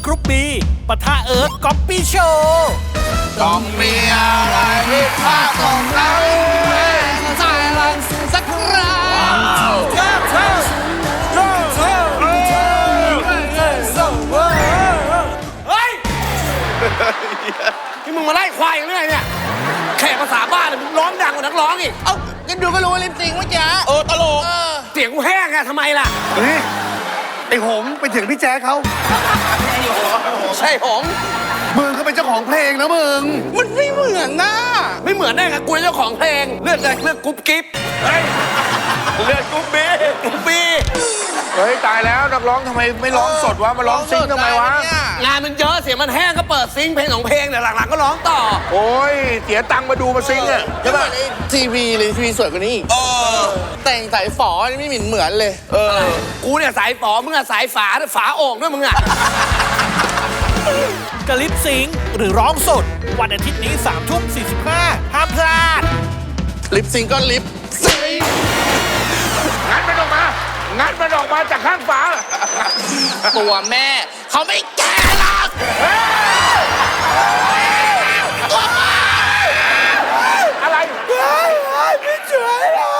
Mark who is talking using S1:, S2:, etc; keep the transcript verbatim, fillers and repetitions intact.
S1: กรุ๊ปบีปะทะเอิร์ธก๊อปปี้โชว์
S2: ต้องมีอะไรที่พลาดตรงไหนสายลังสักครั้ง
S3: เฮ้ยนี่มึงมาไล่ควายกันเรื่อยเนี่ยแขกภาษาบ้านมึงร้องดังกว่านักร้องอีก
S2: เอ้ากันดูก็รู้ว่าลิปซิงค์เมื่อกี้เออตลก
S3: เสียงกูแห้งอะทำไมล่ะ
S4: เฮ้ยไอ้หงไปถึงพี่แจ๊คเขา
S3: ใช่หง
S4: มึงเขาเป็นเจ้าของเพลงนะมึง
S2: มันไม่เหมือนนะ
S3: ไม่เหมือนได้ไงกูเจ้าของเพลงเลือกเลยเลือกกรุ๊ปกิ๊บเฮ้ยเลือกกรุ๊ปบีกรุ๊ปบี
S5: เฮ้ยตายแล้วนักร้องทำไมไม่ร้องสดวะมาร้องซิงค์ทำไมวะ
S3: งานมันเยอะเสียงมันแห้งก็เปิดซิงค์เพลงของเพลงเดี๋ยวหลังๆก็ร้องต่อ
S5: โอ้ยเสียตังค์มาดูมาซิงค์อะ
S2: ใช่ป่ะทีวีเลยทีวีสวยกว่านี้แต่งสายฝอนี่ไม่เหมือนเหมือนเลย
S3: เออกูเนี่ยสายฝอมึงอะสายฝาฝาโอ่งด้วยมึงอะ
S1: กลิปซิงค์หรือร้องสดวันอาทิตย์นี้สามทุ่มสี่สิบห้าห้ามพลาด
S2: ลิปซิงก็ลิปซิง
S5: งัดมันออกมางัดมันออกมาจากข้างฝา
S2: ตัวแม่เขาไม่แก่หรอก
S5: อะไร
S2: ไม่ช่วยหรอก